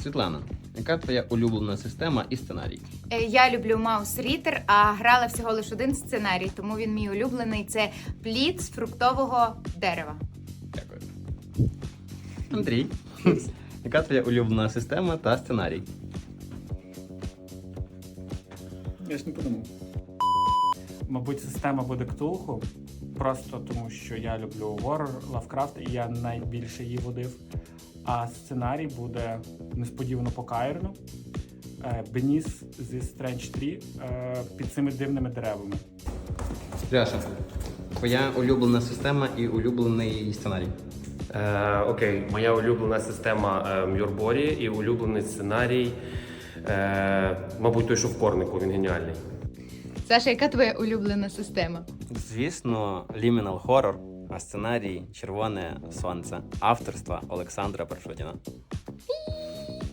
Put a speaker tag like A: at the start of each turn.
A: Світлана, яка твоя улюблена система і сценарій?
B: Я люблю Mouse Reader, а грала всього лише один сценарій, тому він мій улюблений. Це плід з фруктового дерева.
A: Дякую. Андрій, яка твоя улюблена система та сценарій?
C: Я ж не подумав. Мабуть, система буде Ктулху, просто тому що я люблю горор, Лавкрафт, і я найбільше її водив. А сценарій буде несподівано по Каїрну, Беніс зі Strange 3 під цими дивними деревами.
A: Пряша, твоя улюблена система і улюблений сценарій?
D: Окей, моя улюблена система Мюрборі і улюблений сценарій, мабуть, той, що в Корнику, він геніальний.
B: Саша, яка твоя улюблена система?
A: Звісно, Liminal Horror, а сценарій Червоне сонце авторства Олександра Паршутіна.